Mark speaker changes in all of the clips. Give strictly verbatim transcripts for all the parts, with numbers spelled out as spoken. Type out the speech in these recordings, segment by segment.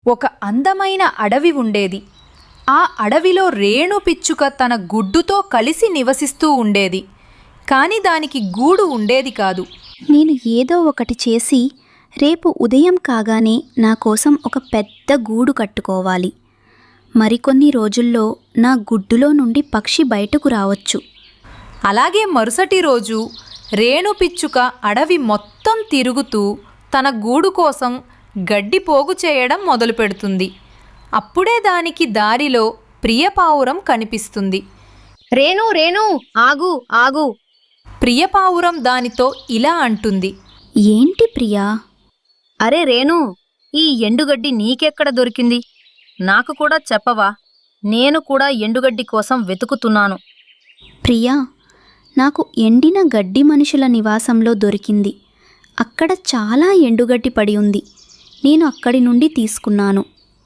Speaker 1: ఒక అందమైన అడవి ఉండేది. ఆ అడవిలో రేణు పిచ్చుక తన గుడ్డుతో కలిసి నివసిస్తూ ఉండేది. కాని దానికి గూడు ఉండేది కాదు.
Speaker 2: నేను ఏదో ఒకటి చేసి రేపు ఉదయం కాగానే నా కోసం ఒక పెద్ద గూడు కట్టుకోవాలి. మరికొన్ని రోజుల్లో నా గుడ్డులో నుండి పక్షి బయటకు రావచ్చు.
Speaker 1: అలాగే మరుసటి రోజు రేణు పిచ్చుక అడవి మొత్తం తిరుగుతూ తన గూడు కోసం గడ్డి పోగు చేయడం మొదలుపెడుతుంది. అప్పుడే దానికి దారిలో ప్రియపావురం కనిపిస్తుంది.
Speaker 3: రేణు రేణు ఆగు ఆగు.
Speaker 1: ప్రియపావురం దానితో ఇలా అంటుంది.
Speaker 2: ఏంటి ప్రియా?
Speaker 3: అరే రేణు, ఈ ఎండుగడ్డి నీకెక్కడ దొరికింది? నాకు కూడా చెప్పవా? నేను కూడా ఎండుగడ్డి కోసం వెతుకుతున్నాను.
Speaker 2: ప్రియా, నాకు ఎండిన గడ్డి మనుషుల నివాసంలో దొరికింది. అక్కడ చాలా ఎండుగడ్డి పడి ఉంది. నేను అక్కడి నుండి తీసుకున్నాను.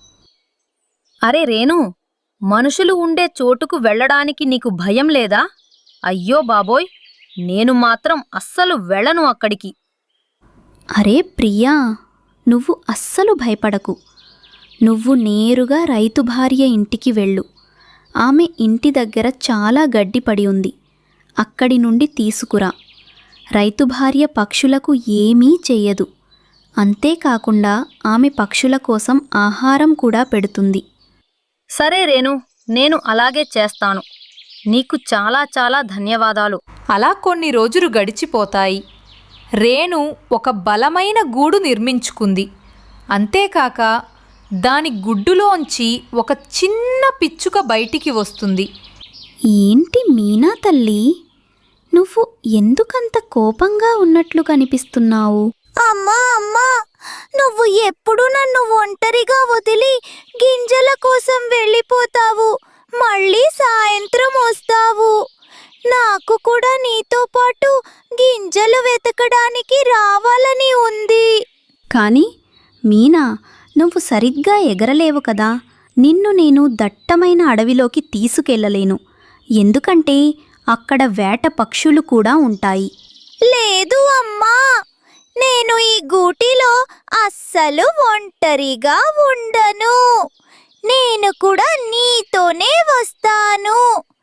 Speaker 3: అరే రేణు, మనుషులు ఉండే చోటుకు వెళ్ళడానికి నీకు భయం లేదా? అయ్యో బాబోయ్, నేను మాత్రం అస్సలు వెళ్ళను అక్కడికి.
Speaker 2: అరే ప్రియా, నువ్వు అస్సలు భయపడకు. నువ్వు నేరుగా రైతు భార్య ఇంటికి వెళ్ళు. ఆమె ఇంటి దగ్గర చాలా గడ్డి పడి ఉంది. అక్కడి నుండి తీసుకురా. రైతు భార్య పక్షులకు ఏమీ చెయ్యదు. అంతేకాకుండా ఆమె పక్షుల కోసం ఆహారం కూడా పెడుతుంది.
Speaker 3: సరే రేణు, నేను అలాగే చేస్తాను. నీకు చాలా చాలా ధన్యవాదాలు.
Speaker 1: అలా కొన్ని రోజులు గడిచిపోతాయి. రేణు ఒక బలమైన గూడు నిర్మించుకుంది. అంతేకాక దాని గుడ్డులోంచి ఒక చిన్న పిచ్చుక బయటికి వస్తుంది.
Speaker 2: ఏంటి మీనా తల్లి, నువ్వు ఎందుకంత కోపంగా ఉన్నట్లు కనిపిస్తున్నావు?
Speaker 4: అమ్మా అమ్మా, నువ్వు ఎప్పుడు నన్ను ఒంటరిగా వదిలి గింజల కోసం వెళ్ళిపోతావు. మళ్ళీ సాయంత్రం వస్తావు. నాకు కూడా నీతో పాటు గింజలు వెతకడానికి రావాలని ఉంది.
Speaker 2: కానీ మీనా, నువ్వు సరిగ్గా ఎగరలేవు కదా. నిన్ను నేను దట్టమైన అడవిలోకి తీసుకెళ్లలేను. ఎందుకంటే అక్కడ వేట పక్షులు కూడా ఉంటాయి.
Speaker 4: లేదు అమ్మా, నేను ఈ గూటిలో అస్సలు ఒంటరిగా ఉండను. నేను కూడా నీతోనే వస్తాను.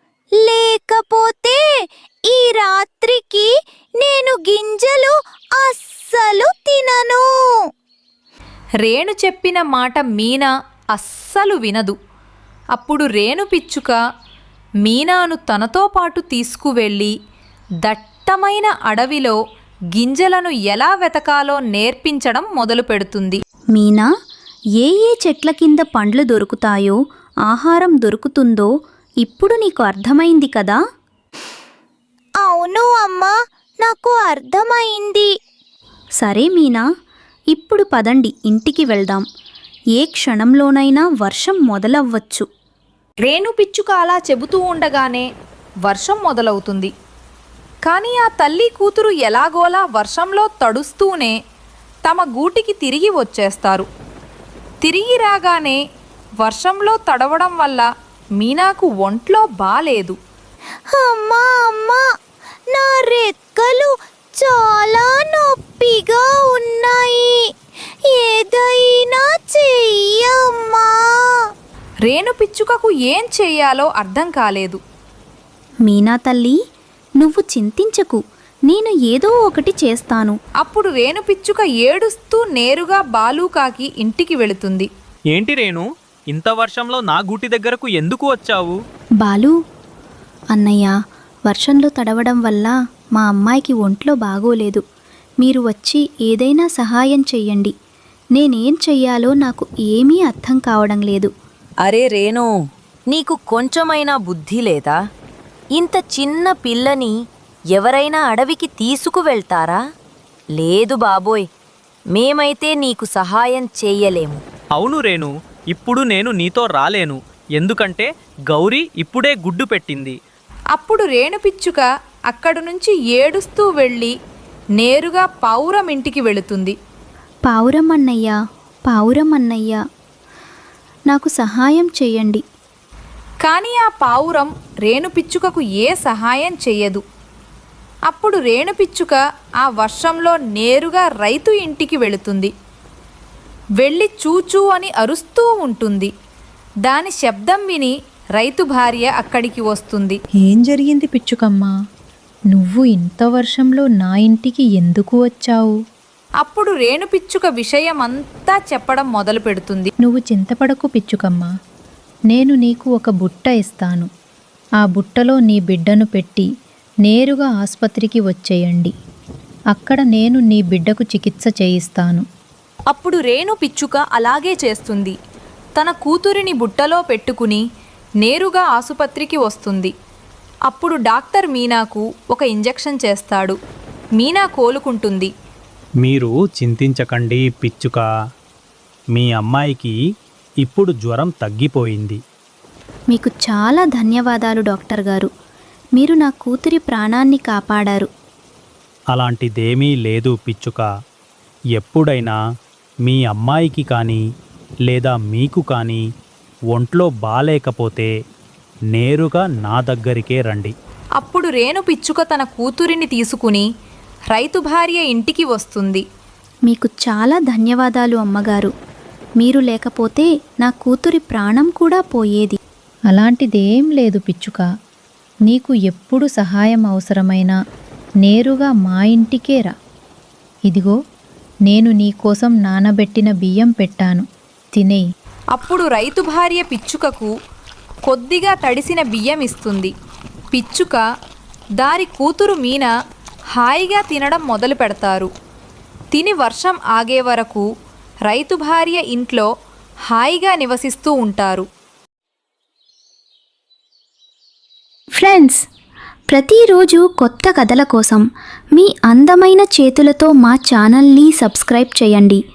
Speaker 4: లేకపోతే ఈ రాత్రికి నేను గింజలు అస్సలు తినను.
Speaker 1: రేణు చెప్పిన మాట మీనా అస్సలు వినదు. అప్పుడు రేణు పిచ్చుక మీనాను తనతో పాటు తీసుకువెళ్ళి దట్టమైన అడవిలో గింజలను ఎలా వెతకాలో నేర్పించడం మొదలుపెడుతుంది.
Speaker 2: మీనా, ఏ ఏ చెట్ల కింద పండ్లు దొరుకుతాయో, ఆహారం దొరుకుతుందో ఇప్పుడు నీకు అర్థమైంది కదా?
Speaker 4: అవును అమ్మా, నాకు అర్థమైంది.
Speaker 2: సరే మీనా, ఇప్పుడు పదండి, ఇంటికి వెళ్దాం. ఏ క్షణంలోనైనా వర్షం మొదలవ్వచ్చు.
Speaker 1: రేణు పిచ్చుక అలా చెబుతూ ఉండగానే వర్షం మొదలవుతుంది. కానీ ఆ తల్లి కూతురు ఎలాగోలా వర్షంలో తడుస్తూనే తమ గూటికి తిరిగి వచ్చేస్తారు. తిరిగి రాగానే వర్షంలో తడవడం వల్ల మీనాకు ఒంట్లో బాలేదు.
Speaker 4: అమ్మా అమ్మా, నా రెక్కలు చాలా నొప్పిగా ఉన్నాయి. ఏదైనా చెయ్యమ్మా.
Speaker 1: రేణు పిచ్చుకకు ఏం చెయ్యాలో అర్థం కాలేదు.
Speaker 2: మీనా తల్లి, నువ్వు చింతించకు, నేను ఏదో ఒకటి చేస్తాను.
Speaker 1: అప్పుడు రేణు పిచ్చుక ఏడుస్తూ నేరుగా బాలూకాకి ఇంటికి వెళుతుంది.
Speaker 5: ఏంటి రేణు, ఇంత వర్షంలో నా గూటి దగ్గరకు ఎందుకు వచ్చావు?
Speaker 2: బాలు అన్నయ్య, వర్షంలో తడవడం వల్ల మా అమ్మాయికి ఒంట్లో బాగోలేదు. మీరు వచ్చి ఏదైనా సహాయం చెయ్యండి. నేనేం చెయ్యాలో నాకు ఏమీ అర్థం కావడం లేదు.
Speaker 6: అరే రేణు, నీకు కొంచెమైనా బుద్ధి లేదా? ఇంత చిన్న పిల్లని ఎవరైనా అడవికి తీసుకువెళ్తారా? లేదు బాబోయ్, మేమైతే నీకు సహాయం చెయ్యలేము.
Speaker 5: అవును రేణు, ఇప్పుడు నేను నీతో రాలేను. ఎందుకంటే గౌరీ ఇప్పుడే గుడ్డు పెట్టింది.
Speaker 1: అప్పుడు రేణు పిచ్చుక అక్కడి నుంచి ఏడుస్తూ వెళ్ళి నేరుగా పావురం ఇంటికి వెళుతుంది.
Speaker 2: పావురం అన్నయ్య, పావురం అన్నయ్య, నాకు సహాయం చెయ్యండి.
Speaker 1: కానీ ఆ పావురం రేణు పిచ్చుకకు ఏ సహాయం చెయ్యదు. అప్పుడు రేణు పిచ్చుక ఆ వర్షంలో నేరుగా రైతు ఇంటికి వెళుతుంది. వెళ్ళి చూచూ అని అరుస్తూ ఉంటుంది. దాని శబ్దం విని రైతు భార్య అక్కడికి వస్తుంది.
Speaker 7: ఏం జరిగింది పిచ్చుకమ్మ? నువ్వు ఇంత వర్షంలో నా ఇంటికి ఎందుకు వచ్చావు?
Speaker 1: అప్పుడు రేణు పిచ్చుక విషయమంతా చెప్పడం మొదలు పెడుతుంది.
Speaker 7: నువ్వు చింతపడకు పిచ్చుకమ్మ. నేను నీకు ఒక బుట్ట ఇస్తాను. ఆ బుట్టలో నీ బిడ్డను పెట్టి నేరుగా ఆసుపత్రికి వచ్చేయండి. అక్కడ నేను నీ బిడ్డకు చికిత్స చేయిస్తాను.
Speaker 1: అప్పుడు రేణు పిచ్చుక అలాగే చేస్తుంది. తన కూతురిని బుట్టలో పెట్టుకుని నేరుగా ఆసుపత్రికి వస్తుంది. అప్పుడు డాక్టర్ మీనాకు ఒక ఇంజెక్షన్ చేస్తాడు. మీనా కోలుకుంటుంది.
Speaker 8: మీరు చింతించకండి పిచ్చుక. మీ అమ్మాయికి ఇప్పుడు జ్వరం తగ్గిపోయింది.
Speaker 2: మీకు చాలా ధన్యవాదాలు డాక్టర్ గారు. మీరు నా కూతురి ప్రాణాన్ని కాపాడారు.
Speaker 8: అలాంటిదేమీ లేదు పిచ్చుక. ఎప్పుడైనా మీ అమ్మాయికి కానీ లేదా మీకు కానీ ఒంట్లో బాలేకపోతే నేరుగా నా దగ్గరికే రండి.
Speaker 1: అప్పుడు రేణు పిచ్చుక తన కూతురిని తీసుకుని రైతు భార్య ఇంటికి వస్తుంది.
Speaker 2: మీకు చాలా ధన్యవాదాలు అమ్మగారు. మీరు లేకపోతే నా కూతురి ప్రాణం కూడా పోయేది.
Speaker 7: అలాంటిదేం లేదు పిచ్చుక. నీకు ఎప్పుడు సహాయం అవసరమైనా నేరుగా మా ఇంటికే రా. ఇదిగో నేను నీకోసం నానబెట్టిన బియ్యం పెట్టాను, తినేయి.
Speaker 1: అప్పుడు రైతు భార్య పిచ్చుకకు కొద్దిగా తడిసిన బియ్యం ఇస్తుంది. పిచ్చుక దారి కూతురు మీన హాయిగా తినడం మొదలు పెడతారు. తిని వర్షం ఆగే వరకు రైతు భార్య ఇంట్లో హాయిగా నివసిస్తూ ఉంటారు.
Speaker 2: ఫ్రెండ్స్, ప్రతిరోజు కొత్త కథల కోసం మీ అందమైన చేతులతో మా ఛానల్ని సబ్స్క్రైబ్ చేయండి.